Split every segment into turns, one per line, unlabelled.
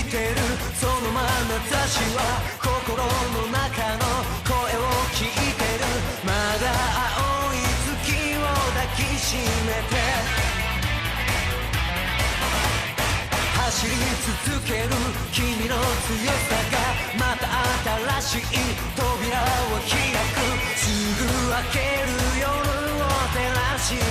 てるその眼差しは心の中の声を聞いてるまだ青い月を抱きしめて走り続ける君の強さがまた新しい扉を開くすぐ明ける夜を照らし出せ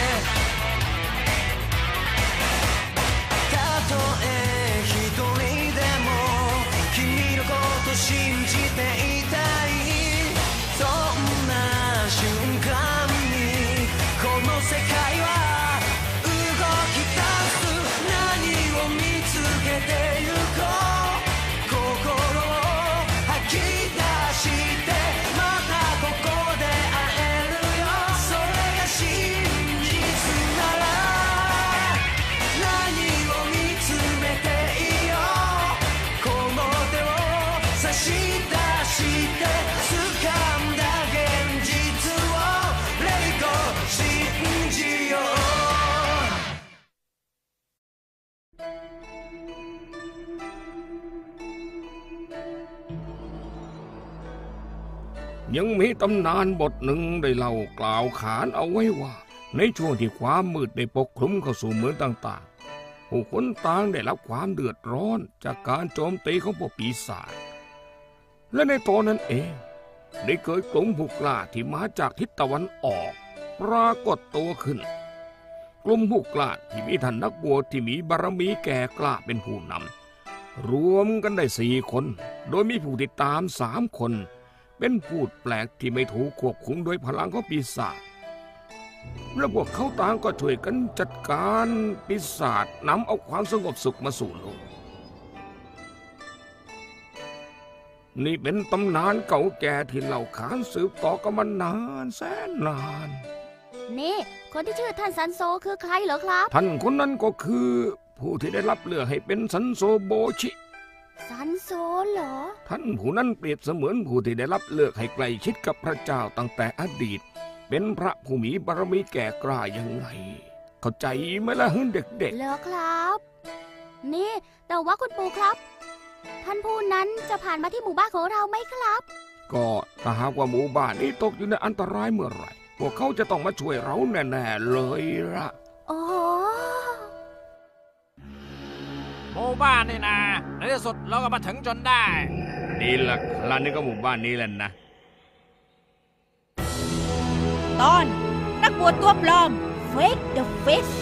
たとえ一人でも君のこと信じていたいそんな瞬間にこの世界は動き出す何を見つけてゆこう心を吐き出してまたここで会えるよそれが真実なら何を見つめていいよこの手を差し出して掴んだ現実を Let it go 信じよう
ยังมีตำนานบทหนึ่งได้เล่ากล่าวขานเอาไว้ว่าในช่วงที่ความมืดได้ปกคลุมเข้าสู่เมืองต่างๆผู้คนต่างได้รับความเดือดร้อนจากการโจมตีของพวกปีศาจและในตอนนั้นเองได้เกิดกลุ่มผู้กล้าที่มาจากทิศตะวันออกปรากฏตัวขึ้นกลุ่มผู้กล้าที่มีท่านนักบวชที่มีบารมีแก่กล้าเป็นผู้นำรวมกันได้4 คนโดยมีผู้ติดตาม3 คนเป็นผู้แปลกที่ไม่ถูกควบคุมโดยพลังของปีศาจและพวกเขาต่างก็ช่วยกันจัดการปีศาจนำเอาความสงบสุขมาสู่โลกนี่เป็นตำนานเก่าแก่ที่เล่าขานสืบต่อกันมานานแสนนาน
นี่คนที่ชื่อท่านซันโซคือใครเหรอครับ
ท่านคนนั้นก็คือผู้ที่ได้รับเลือกให้เป็นซันโซโบชิ
ซันโซเหรอ
ท่านผู้นั้นเปรียบเสมือนผู้ที่ได้รับเลือกให้ใกล้ชิดกับพระเจ้าตั้งแต่อดีตเป็นพระผู้มีบารมีแก่กล้ายังไงเข้าใจไหมล่ะเด็กๆ
เหรอครับนี่แต่ว่าคุณปู่ครับท่านผู้นั้นจะผ่านมาที่หมู่บ้านของเราไหมครับ
ก็ถ้าหากว่าหมู่บ้านนี้ตกอยู่ในอันตรายเมื่อไหร่พวกเขาจะต้องมาช่วยเราแน่ๆเลยล่ะ
โอ้
หมู่บ้านนี่นะในที่สุดเราก็มาถึงจนได้
นี่แหละร้านนี้ก็หมู่บ้านนี้แหละนะ
ตอนนักบวชตัวปลอม Fake the Face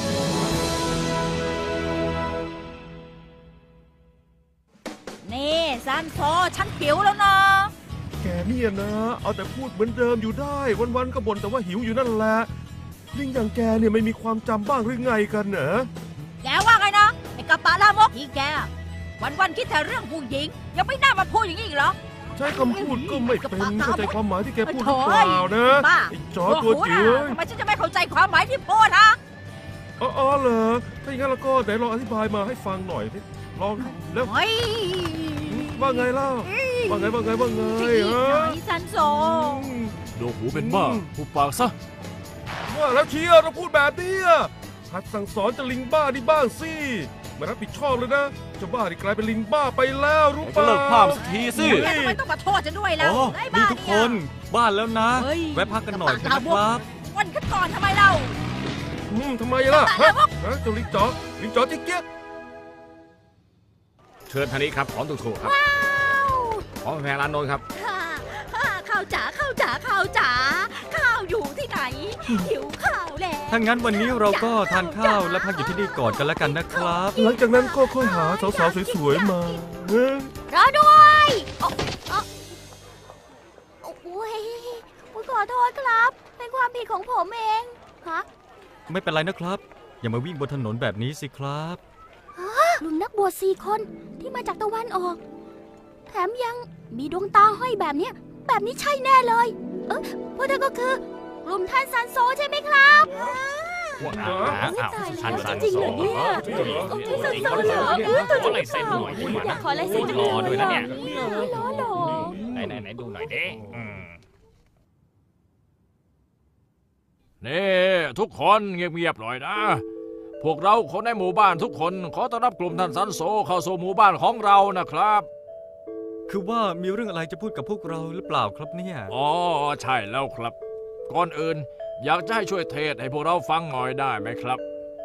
นี่ซันโซฉันหิวแล้วนะ
แกเนี่ยนะเอาแต่พูดเหมือนเดิมอยู่ได้วันๆก็บ่นแต่ว่าหิวอยู่นั่นแหละลิงอย่างแกเนี่ยไม่มีความจำบ้างหรือไงกันเหรอ
แกว่าไงนะไอ้กระปะลามกอีแกวันๆคิดแต่เรื่องผู้หญิงยังไม่น่ามาพูดอย่างนี้อีกเหรอ
ใช้คำพูดก็ไม่เป็นเข้าใจความหมายที่แกพูดหรือเปล่านะไอ้จอตัวจิ๋ว
ทำไมฉันจะไม่เข้าใจความหมายที่พูดฮะ
อ๋อเหรอถ้าอย่างนั้นเราก็ไหนลองอธิบายมาให้ฟังหน่อยสิลองแล้วว่าไงเล่าว่าไงฮะ
ซันโซ
โดหูเป็นบ้าหูปากซะ
ว่าแล้วเชียร์เราพูดแบบนี้หัดสั่งสอนจะลิงบ้านี่บ้างสิมารับผิดชอบเลยนะจะบ้าที่กลายเป็นลิงบ้าไปแล้วรู้ป่ะ
เลิกพามสักทีสิ
ทำไมต้องมาโทษฉันด้วยแล้ว
นี่ทุกคนบ้านแล้วนะแวะพักกันหน่อยนะครับ
วันขึ้นก่อนทำไมเรา
ทำไมล่ะฮะเจ้าลิงจ๋อจิ๊กเกี้ย
เชิญทางนี้ครับของถูกๆครับของแพรร้านโน้นครับ
ข้าวจ๋าข้าวอยู่ที่ไหนหิวข้าวแล้ว
ถ้างั้นวันนี้เราก็ทานข้าวและพักอยู่ที่นี่ก่อนกันแล้วกันนะครับ
หลังจากนั้นก็ค่อยหาสาวๆสวยๆมาร
อด้วยโอ้ยขอโทษครับเป็นความผิดของผมเองฮะ
ไม่เป็นไรนะครับอย่ามาวิ่งบนถนนแบบนี้สิครับ
ลุงนักบวช4 คนที่มาจากตะวันออกแถมยังมีดวงตาห้อยแบบนี้ใช่แน่เลยพวกเธอก็คือกลุ่มท่านซันโซใช่ไหมครับ
ท่านซัน
จริง
โซ
เหรอเนี่ยท่านซันโซเหรอตัวจริงเปล่าอยากขอลายเซ็นจังเลย
ด้วยนะเนี่ย
ล้อ
ไหนดูหน่อยดิ
นี่ทุกคนเงียบๆหน่อยนะพวกเราคนในหมู่บ้านทุกคนขอต้อนรับกลุ่มท่านซันโซเข้าสู่หมู่บ้านของเรานะครับ
คือว่ามีเรื่องอะไรจะพูดกับพวกเราหรือเปล่าครับเนี่ย
อ๋อใช่แล้วครับ ก่อนอื่นอยากจะให้ช่วยเทศให้พวกเราฟังหน่อยได้ไหมครับ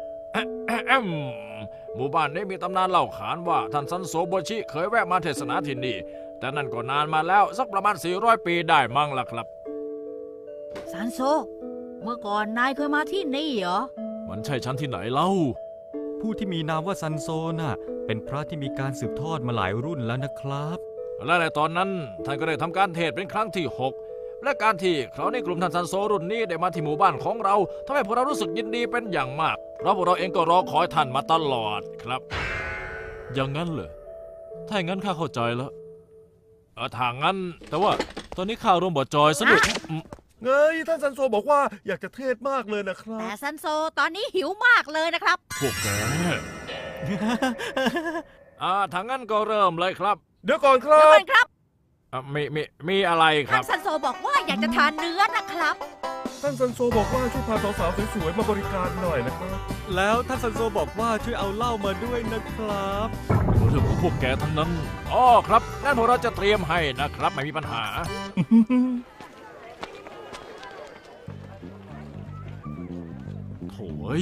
หมู่บ้านนี้มีตำนานเล่าขานว่าท่านซันโซโบชิเคยแวะมาเทศนาที่นี่แต่นั่นก็นานมาแล้วสักประมาณ400 ปีได้มั้งล่ะครับ
ซันโซ เมื่อก่อนนายเคยมาที่นี่เหรอ
มันใช่ชั้นที่ไหนเล่า
ผู้ที่มีนามว่าซันโซน่ะเป็นพระที่มีการสืบทอดมาหลายรุ่นแล้วนะครับ
และในตอนนั้นท่านก็ได้ทำการเทศน์เป็นครั้งที่ 6 และการที่คราวนี้กลุ่มท่านซันโซรุ่นนี้ได้มาที่หมู่บ้านของเราทำให้พวกเรารู้สึกยินดีเป็นอย่างมากเพราะพวกเราเองก็รอคอยท่านมาตลอดครับอย่างนั้นเหรอถ้าอย่างนั้นข้าเข้าใจแล้วถ้างั้นแต่ว่าตอนนี้ข้ารวมบทจอยสนุก
เงยท่านซันโซบอกว่าอยากจะเทศมากเลยนะครับ
แต่ซันโซตอนนี้หิวมากเลยนะครับ
พวกแก ถ้างั้นก็เริ่มเลยครับ
เดี๋ยวก่อนครั
เดี๋ยว
บ
ก่อนครับ
มีอะไรค
ท่า
รั
น
บ
ซันโซบอกว่าอยากจะทานเนื้อนะครับ
ท่านซันโซบอกว่าช่วยพาสาวๆสวยๆมาบริการหน่อยนะครับ
แล้วท่านซันโซบอกว่าช่วยเอาเหล้ามาด้วยนะครับ
เรื่องของพวกแกทั้งนั้นอ๋อครับงั้นพวกเราจะเตรียมให้นะครับไม่มีปัญหา โถ่ย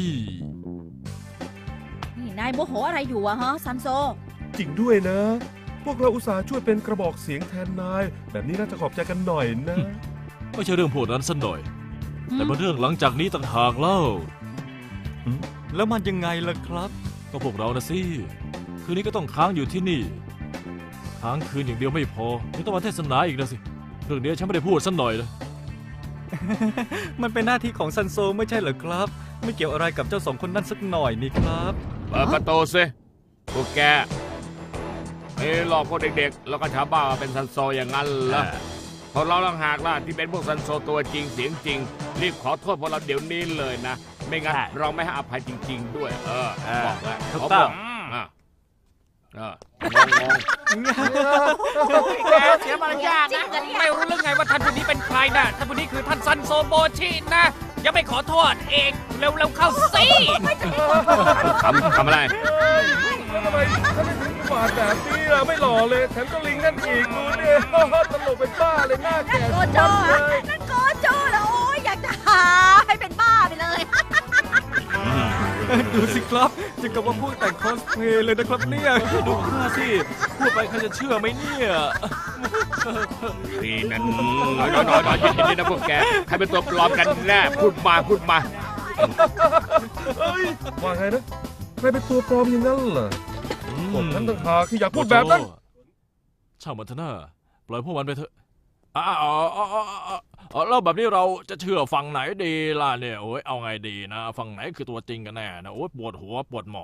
นี่นายโมโหอะไรอยู่อะฮะซันโซ
จริงด้วยนะ พวกเราอุตส่าห์ช่วยเป็นกระบอกเสียงแทนนาย แบบนี้น่าจะขอบใจกันหน่อยนะ
ไม่ใช่เรื่องพวกนั้นสักหน่อย แต่เป็นเรื่องหลังจากนี้ต่างหากเล่า
แล้วมันยังไงล่ะครับ
ก็พวกเรานะสิคืนนี้ก็ต้องค้างอยู่ที่นี่ค้างคืนอย่างเดียวไม่พอยังต้องมาเทศนาอีกนะสิเรื่องนี้ฉันไม่ได้พูดสักหน่อยเลย
มันเป็นหน้าที่ของซันโซไม่ใช่เหรอครับ ไม่เกี่ยวอะไรกับเจ้าสองคนนั้นสักหน่อยนี่ครับ
เปิดประตูสิพวกแกหลอกพวกเด็กๆ แล้วก็ชาวบ้านมาเป็นซันโซอย่างนั้นเหรอพวกเราลังหากล่ะที่เป็นพวกซันโซตัวจริงเสียงจริง รีบขอโทษพวกเราเดี๋ยวนี้เลยนะ ไม่งั้นเราไม่ให้อภัยจริง ๆ ด้วย บอกเลย
ถูก
เขา
ต้
บ
อ
อง กงง
แกเสียมารยาทนะไม่รู้เรื่องไงว่าท่านผู้นี้เป็นใครนะท่านผู้นี้คือท่านซันโซโบชินะยังไม่ขอโทษเองเร็วๆเข้าสิ
ทำอะไร
แล้วทำไมท่านไม่ถึงบาดแบบนี้ล่ะไม่หล่อเลยแถมก็ลิงนั่นอีกดูเนี่ย ตลกเป็นบ้าเลยหน้าแก่
โกโจ
เลย
นั่นโกโจแล้วโอ้ยอยากจะหาให้เป็นบ้าไปเลย
ดูสิครับจะกับว่าพูดแต่งคอสเพลย์เลยนะครับเนี่ย
ดูข้าสิพูดไปใครจะเชื่อไหมเนี่ย
นี่นั่นน้อยๆยินดีนะพวกแกใครเป็นตัวปลอมกันแน่พูดมา
เอ้ยว่าไงนะใครเป็นตัวปลอมอย่างนั้นเหรอพวกนั้นต่างหากที่อยากพูดแบบนั้น
ช่างมันเถอะนะปล่อยพวกมันไปเถอะแล้วแบบนี้เราจะเชื่อฝั่งไหนดีล่ะเนี่ยโอ้ยเอาไงดีนะฝั่งไหนคือตัวจริงกันแน่นะโอ้ยปวดหัวปวดหมอง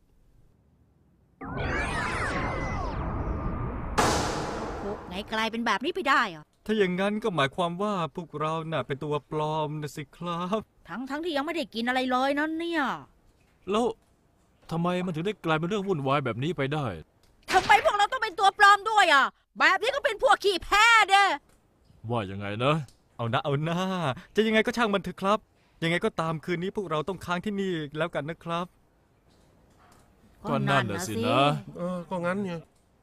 ไงกลายเป็นแบบนี้ไปได้อะ
ถ้าอย่างนั้นก็หมายความว่าพวกเราน่ะเป็นตัวปลอมนะสิครับ
ทั้งที่ยังไม่ได้กินอะไรเลยนั่นเนี่ย
แล้วทำไมมันถึงได้กลายเป็นเรื่องวุ่นวายแบบนี้ไปได้
ทำไมพวกเราต้องเป็นตัวปลอมด้วยอ่ะ แบบนี้ก็เป็นพวกขี้แพ้เด้
ว่ายังไงนะ
เอาหน้าจะยังไงก็ช่างมันเถอะครับ ยังไงก็ตามคืนนี้พวกเราต้องค้างที่นี่แล้วกันนะครับ
ก็นั่นน่ะสินะ
ก็งั้นไง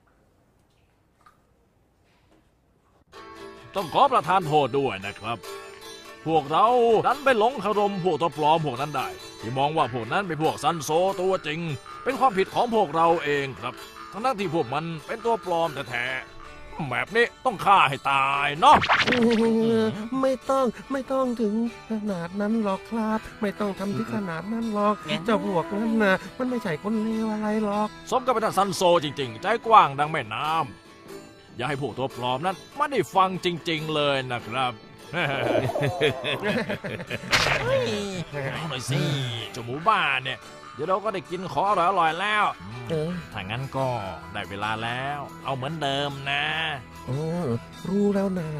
ต้องขอประทานโทษด้วยนะครับ พวกเราดันไปหลงคารมพวกตัวปลอมพวกนั้นได้ ที่มองว่าพวกนั้นเป็นพวกซันโซตัวจริง เป็นความผิดของพวกเราเองครับ ทั้งที่พวกมันเป็นตัวปลอมแท้ๆแบบนี้ต้องฆ่าให้ตายเนาะ
ไม่ต้องถึงขนาดนั้นหรอกครับ ไม่ต้องทำถึงขนาดนั้นหรอกเจ้าพวกนั้นนะมันไม่ใช่คนเลวอะไรหรอก
สมกับเป็นซันโซจริงๆ ใจกว้างดังแม่น้ำอย่าให้พวกตัวปลอมนั้นไม่ได้ฟังจริงๆเลยนะครับเอาหน่อยสิเจ้าหมูบ้านเนี่ยเดี๋ยวเราก็ได้กินของอร่อยๆแล้วถ้างั้นก็ได้เวลาแล้ว เอาเหมือนเดิมนะ
รู้แล้วนะ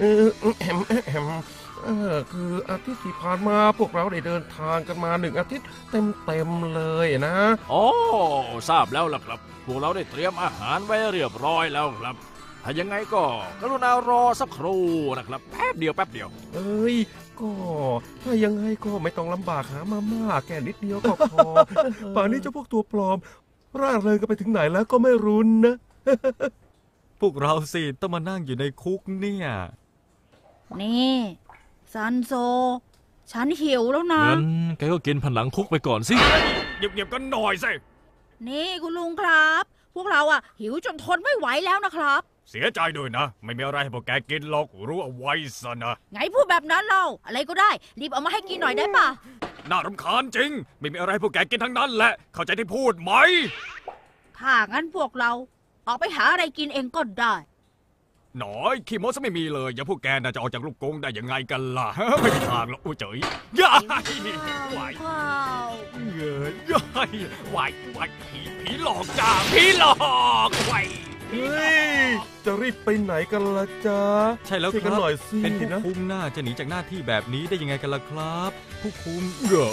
คืออาทิตย์ที่ผ่านมาพวกเราได้เดินทางกันมา1 อาทิตย์เต็มเลยนะ
โอ้ทราบแล้วล่ะครับพวกเราได้เตรียมอาหารไว้เรียบร้อยแล้วครับถ้ายังไงก็กรุณารอสักครู่นะครับแป๊บเดียว
เอ้ย ก็ถ้ายังไงก็ไม่ต้องลำบากหามาม่าแค่นิดเดียวก็พอ ป่านนี้เจ้าพวกตัวปลอม ร่าเริงกันไปถึงไหนแล้วก็ไม่รู้นะ
พวกเราสิต้องมานั่งอยู่ในคุกเนี่ย
นี่ซันโซ ฉันหิวแล้วนะ
งั้นแกก็กินผนังคุกไปก่อนสิ
เงียบๆกันหน่อยสิ
นี่คุณลุงครับ พวกเราอะหิวจนทนไม่ไหวแล้วนะครับ
เสียใจด้วยนะ ไม่มีอะไรให้พวกแกกินหรอกรู้เอาไว้ซะนะ
ไงพูดแบบนั้นเราอะไรก็ได้ รีบเอามาให้กินหน่อยได้ปะ
น่ารำคาญจริง ไม่มีอะไรให้พวกแกกินทั้งนั้นแหละ เข้าใจที่พูดไหม
ถ้างั้นพวกเราออกไปหาอะไรกินเองก็ได้
หน่อยขี้โม้ซะไม่มีเลย อย่าพวกแกน่าจะออกจากลูกกรงได้ยังไงกันล่ะ ไม่มีทางหรอกโอ้เจ๋ยย่ายไหว
ว้าว
เงยย่ายไหวผีหลอกจ้าผีหลอกไหว
เฮ้ย จะรีบไปไหนกันล่ะจ๊ะ
ใช่แล้ว
ช่วย
ค
กัน
รับ
หน่อยสิ
เป็นผู้
นะ
คุมหน้าจะหนีจากหน้าที่แบบนี้ได้ยังไงกันล่ะครับ ผู้คุม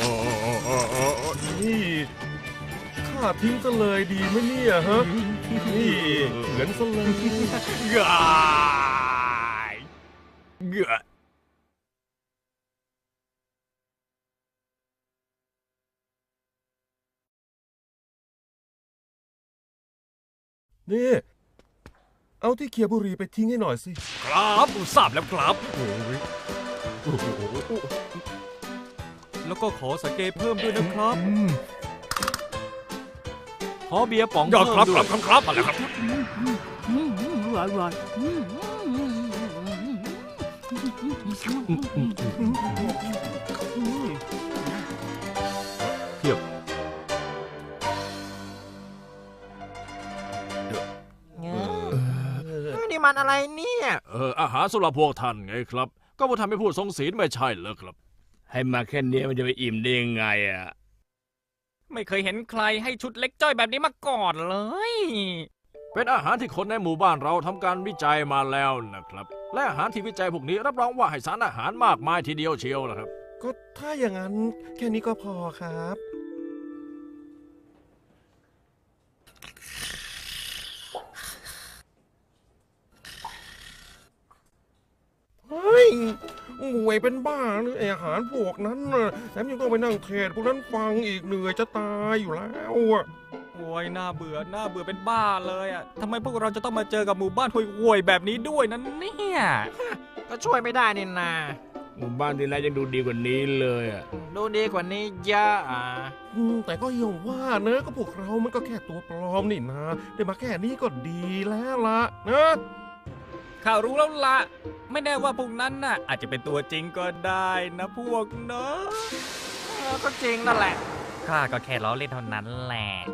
นี่ข้าทิ้งซะเลยดีไหมเนี่ยฮะ นี่เหมือนซะเลย
ย่ายเงย
นี่ เอาที่เคียบุหรีไปทิ้งให้หน่อยสิ
ครับทราบแล้วครับ
แล้วก็ขอสังเกตเพิ่มด้วยนะครับ
ขอเบียร์ป๋อง
ยอดครับ
เพิ่ม
ค
ด้
รั
วย
บครับมาแล้วครับ
อร่อย
เทียบ
นี่มันอะไรเนี่ย
อาหารสำหรับพวกท่านไงครับ ก็พวกท่านไม่พูดทรงศีลไม่ใช่เหรอครับ
ให้มาแค่นี้มันจะไปอิ่มได้ยังไงอ่ะ
ไม่เคยเห็นใครให้ชุดเล็กจ้อยแบบนี้มาก่อนเลย
เป็นอาหารที่คนในหมู่บ้านเราทำการวิจัยมาแล้วนะครับ และอาหารที่วิจัยพวกนี้รับรองว่าให้สารอาหารมากมายทีเดียวเชียวนะครับ
ก็ถ้าอย่างนั้นแค่นี้ก็พอครับ เฮ้ยห่วยเป็นบ้าหรือไออาหารพวกนั้นน่ะแถมยังต้องไปนั่งเทศพวกนั้นฟังอีกเหนื่อยจะตายอยู่แล้วอะ
โอ้ยน่าเบื่อเป็นบ้าเลยอ่ะทำไมพวกเราจะต้องมาเจอกับหมู่บ้านห่วยๆแบบนี้ด้วยนั่นเนี่ย
ก็ช่วยไม่ได้นี่นา
หมู่บ้านที่แล้วยังดูดีกว่านี้เลยอ่ะ
ดูดีกว่านี้เยอะอ่ะ
แต่ก็ยังว่าเนอะก็พวกเรามันก็แค่ตัวปลอมนี่นะได้มาแค่นี้ก็ดีแล้วละนะ
ข่าวรู้แล้วละไม่แน่ว่าพวกนั้นน่ะอาจจะเป็นตัวจริงก็ได้นะพวกเนอะ
ก็จริงนั่นแหละ
ข้าก็แค่ล้อเล่นเท่านั้นแหละ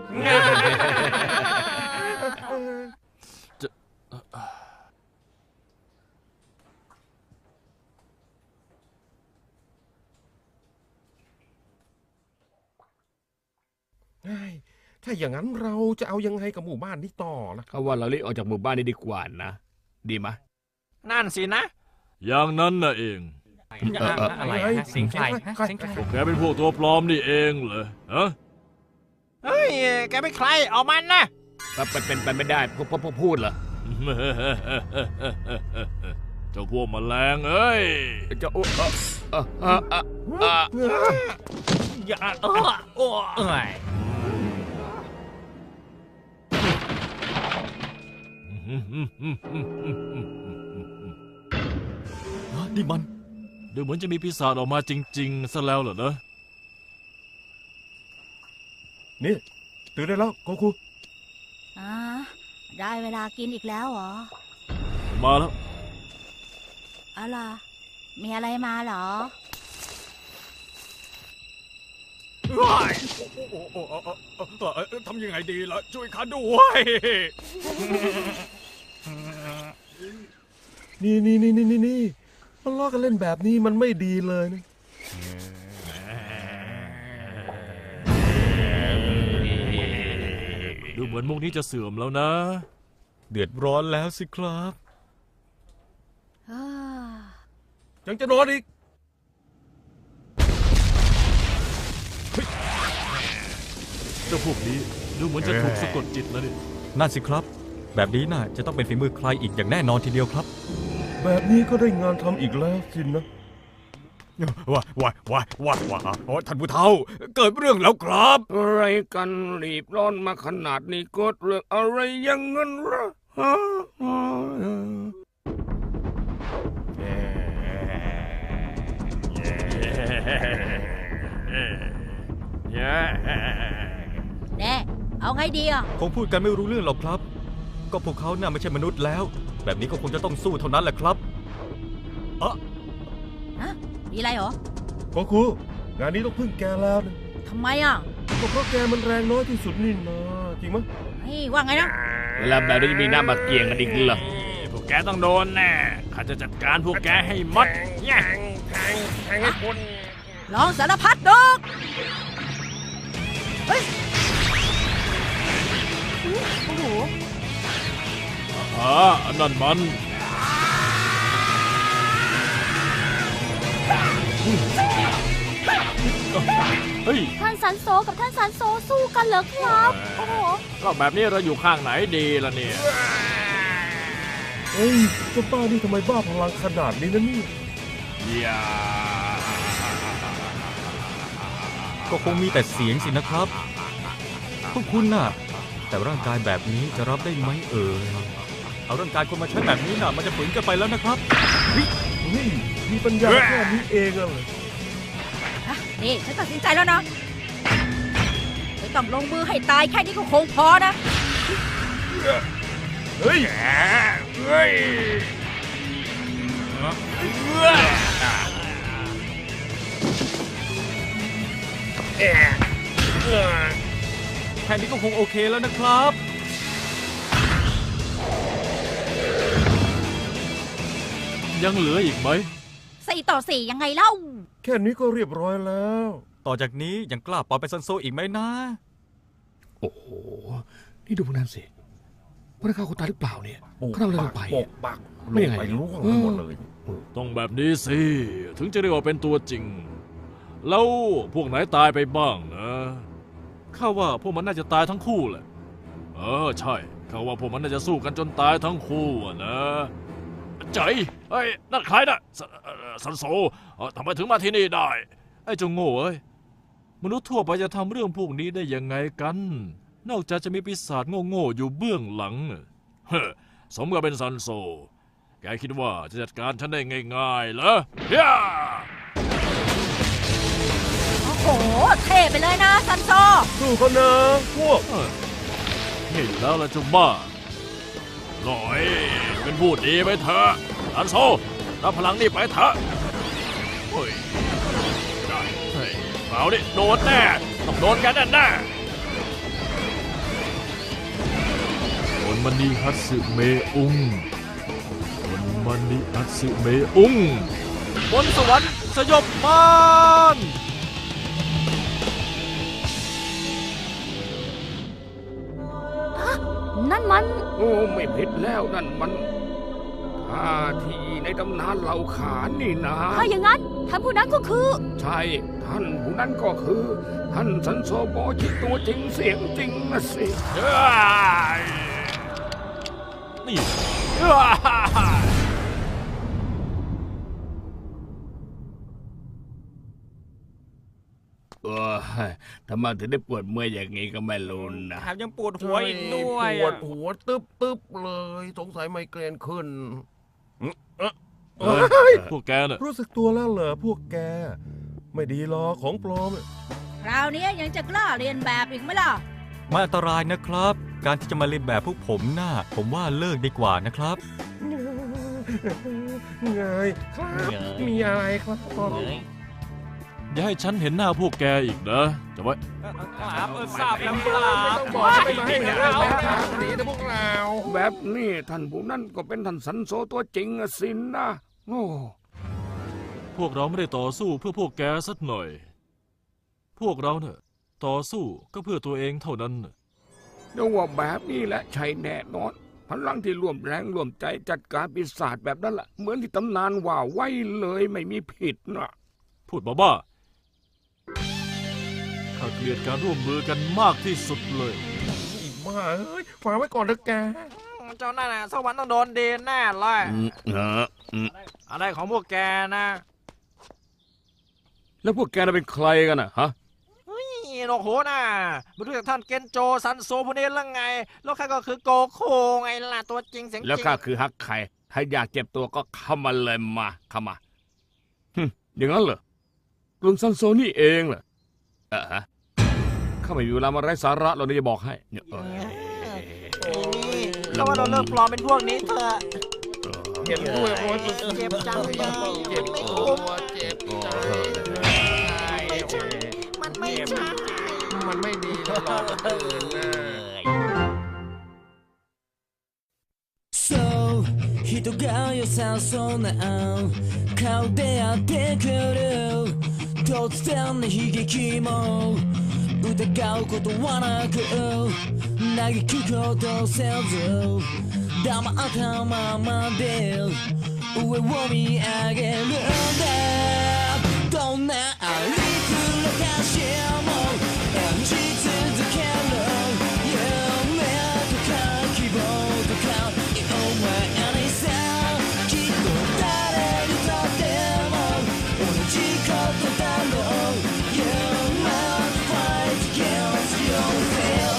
ถ้าอย่างนั้นเราจะเอายังไงกับหมู่บ้านนี้ต่อล่ะ
เขาว่าเรารีบออกจากหมู่บ้านนี้ดีกว่านะ ดีไหม
นั่นสินะ
อย่างนั้นน่ะเอง
อะไรฮะเสิงใครฮะเสิงใคร
พวกแกเป็นพวกตัวปลอมนี่เองเหรอฮะ
เฮ้ย แกเป็นใครเอามันนะ
เป็นไปไม่ได้พวกพูดเหรอ
เจ้าพวกแมลงเอ้ย
จะ
อย่าโอ้ย
นี่มัน
ดูเหมือนจะมีปีศาจออกมาจริงๆซะแล้วเหรอนะ
นี่ตื่นได้แล้วโกคุ
ได้เวลากินอีกแล้วเหรอ
มาแล้ว
อะไรมีอะไรมาเหรอ
ทำยังไงดีล่ะ ช่วยข้าด้วย
นี่มันล้อกันเล่นแบบนี้มันไม่ดีเลยนะ
ดูเหมือนมุกนี้จะเสื่อมแล้วนะ
เดือดร้อนแล้วสิครับ
ยังจะนอนอีก
เจ้าพวกนี้ดูเหมือนจะถูกสะกดจิตแล้วนี่
นั่นสิครับแบบนี้น่าจะต้องเป็นฝีมือใครอีกอย่างแน่นอนทีเดียวครับ
แบบนี้ก็ได้งานทำอีกแล้วสินะ
ว่าท่านผู้เฒ่าเกิดเรื่องแล้วครับ
อะไรกันรีบร้อนมาขนาดนี้เกิดเรื่องอะไรอยังงั้นเหรอฮะ
แน่เอาไงดีอ่ะ
คงพูดกันไม่รู้เรื่องหรอกครับ ก็พวกเขาน่าไม่ใช่มนุษย์แล้ว แบบนี้ก็คงจะต้องสู้เท่านั้นแหละครับ
มีอะไรเหรอ
โกคูงานนี้ต้องพึ่งแกแล้วนะ
ทำไมอ่ะ
ก็เพราะแกมันแรงน้อยที่สุดนี่นะจริงไหม
เฮ้ยว่าไงนะ
เวลาแบบนี้จะมีหน้ามาเกี่ยงกันอีกเหรอ
พวกแกต้องโดนแน่ข้าจะจัดการพวกแกให้หมดเนี่ย
ลองสารพัดดอกเฮ้ยโอ้โห
นั่นมันเฮ้ย
ท่านซันโซกับท่านซันโซสู้กันเหรอครับ โอ้โห
ก็แบบนี้เราอยู่ข้างไหนดีล่ะเนี่ย
เฮ้ยเจ้าป้านี่ทำไมบ้าพลังขนาดนี้นะนี่
อย่า
ก็คงมีแต่เสียงสินะครับ พวกคุณน่ะ แต่ร่างกายแบบนี้จะรับได้ไหมเอาร่างกายคนมาใช้แบบนี้น่ะมันจะฝืนกันไปแล้วนะครับ
นี่มีปัญญาแค่นี้เองอะเหรอ
นี่ฉันตัดสินใจแล้วนะไม่ต้องลงมือให้ตายแค่นี้ก็คงพอนะ
เฮ้ย
แค่นี้ก็คงโอเคแล้วนะครับ
ยังเหลืออีกไหม
4-4ยังไงเล่า
แค่นี้ก็เรียบร้อยแล้ว
ต่อจากนี้ยังกล้าปล่อยไปซันโซอีกไหมนะ
โอ้โห นี่ดูพวกนั้นสิพวกนั้นฆ่าคนตายหรือเปล่าเนี่ยเขาทำอะไรลงไป
ปกปัก
ไม่ยังไง
ไปล่วงไปหมดเลย
ต้องแบบนี้สิ ถึงจะเรียกว่าเป็นตัวจริง แล้วพวกไหนตายไปบ้างนะข้าว่าพวกมันน่าจะตายทั้งคู่แหละใช่ข้าว่าพวกมันน่าจะสู้กันจนตายทั้งคู่อะนะใจเฮ้ยนั่นใครน่ะซันโซทำไมถึงมาที่นี่ได้ไอ้เจ้าโง่เอ้ยมนุษย์ทั่วไปจะทำเรื่องพวกนี้ได้ยังไงกัน นอกจากจะมีปีศาจโง่ๆอยู่เบื้องหลังสมกับเป็นซันโซแกคิดว่าจะจัดการฉันได้ง่ายๆเหรอย่า
โอ้โห เท่ไปเลยนะซันโซ
สู้เขานะพวก
เห็นแล้วล่ะเจ้าบ้าหน่อยเป็นผู้ดีไปเถอะซันโซรับพลังนี่ไปเถอะเฮ้ยได้เฮ้ยเอาดิโดนแน่ต้องโดนกันแน่โอนมันนีฮัตสึเมอุงโอนมันนีฮัตสึเมอุงบนสวรรค์สยบมาร
นั่นมัน
โอ้ไม่ผิดแล้วนั่นมันท่าทีในตำนานเหล่าขานนี่นะ
ถ้าอย่างนั้นท่านผู้นั้นก็คือ
ใช่ท่านผู้นั้นก็คือ ท่านซันโซโบชิตัวจริงเสียงจริงนะสิ
นี่
ทำไมถึงได้ปวดเมื่อยอย่างนี้ก็ไม่รู้นะ
แถมยังปวดหัวอีกด้วย
ปวดหัวตึ๊บเลยสงสัยไมเกรนขึ้น
พวกแกน่ะ
รู้สึกตัวแล้วเหรอพวกแก ไม่ดีหรอกของปลอม
คราวนี้ยังจะกล้าเรียนแบบอีกไหมล่ะ
มันอันตรายนะครับ การที่จะมาเลียนแบบพวกผมน่ะผมว่าเลิกดีกว่านะครับ
ไงครับมีอะไรครับพ่อ
อย่าให้ฉันเห็นหน้าพวกแกอีกนะจะไว้
ครับทราบแล้วครับ
ต้องบอกไม่ให้นะหนีนะพวกเรา
แบบนี้ท่านผู้นั้นก็เป็นท่านซันโซตัวจริงอะสินนะโอ้
พวกเราไม่ได้ต่อสู้เพื่อพวกแกสักหน่อย พวกเราเนี่ยต่อสู้ก็เพื่อตัวเองเท่านั้นน่ะ
เดี๋ยวว่าแบบนี้แหละใช่แน่นอนพลังที่ร่วมแรงร่วมใจจัดการปีศาจแบบนั้นแหละเหมือนที่ตำนานว่าไว้เลยไม่มีผิดนะ
พูดบ้าๆข้าเกลียดการร่วมมือกันมากที่สุดเลย
อีบ้าเฮ้ยฝากไว้ก่อนนะแก
เจ้านั่นน่ะสักวันต้องโดนดีแน่เลย อะไรของพวกแกนะ
แล้วพวกแกน่ะเป็นใครกันน่ะฮะ
นี่โอ้โหน่ะไม่รู้จักท่านเกนโจซันโซพวกนี้หรือไงแล้วข้าก็คือโกโคไงล่ะตัวจริงเสียงจริง
แล้วข้าคือฮักไข่ถ้าอยากเจ็บตัวก็เข้ามาเลยมาเข้ามาอย่างนั้นเหรอกลุ่มซันโซนี่เองเหรอฮะข้าไม่มีเวลามาไร้สาระเราจะบอกให้เนี่ย
เราว่าเราเลิกปลอมเป็นพวกนี้เถอะ
เจ็บด้วยโอ้ย
เจ็บจังเลย
เจ็บ
ไม่
ตั
คุ้ม
วเจ็บใจ
มันไม่ใช่
มันไม่ดีหรอกอื่นนะ
そう人が良さそうな顔でやってくる突然の悲劇も疑うことはなく嘆くことせず黙ったままで上を見上げるんだどんなありつらかしも演じ続ける夢とか希望とか今にさきっと誰にとっても同じことだろう You must fight against yourself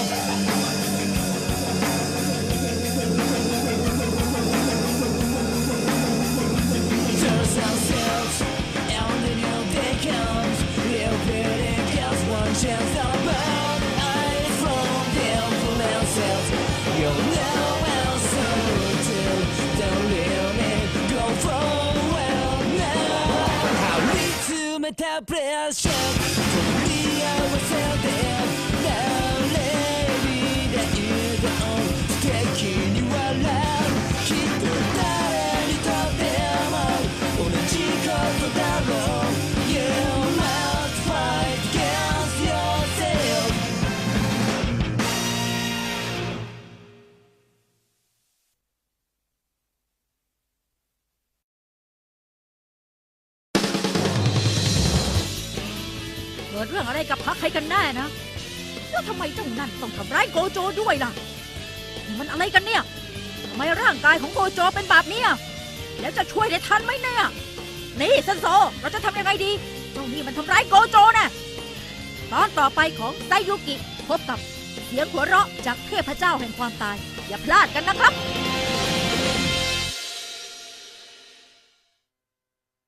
Turns ourselves and the new day comes Real pretty just one chance at a bird Eyes from the influences You'll know answer to the limit Go forward now 張り詰めたプレッシャー取り合わせて誰にだいて素敵に笑うきっと誰にとっても同じことだろう You must fight against yourself
เกิดเรื่องอะไรกับพักใครกันแน่นะแล้วทำไมเจ้านั่นต้องทำร้ายโกโจด้วยล่ะนี่มันอะไรกันเนี่ยทำไมร่างกายของโกโจเป็นแบบนี้แล้วจะช่วยได้ทันไหมเนี่ยนี่ซันโซเราจะทำยังไงดีเจ้านี่มันทำร้ายโกโจนะตอนต่อไปของไซยุกิพบกับเสียงหัวเราะจากเทพเจ้าแห่งความตายอย่าพลาดกันนะครับ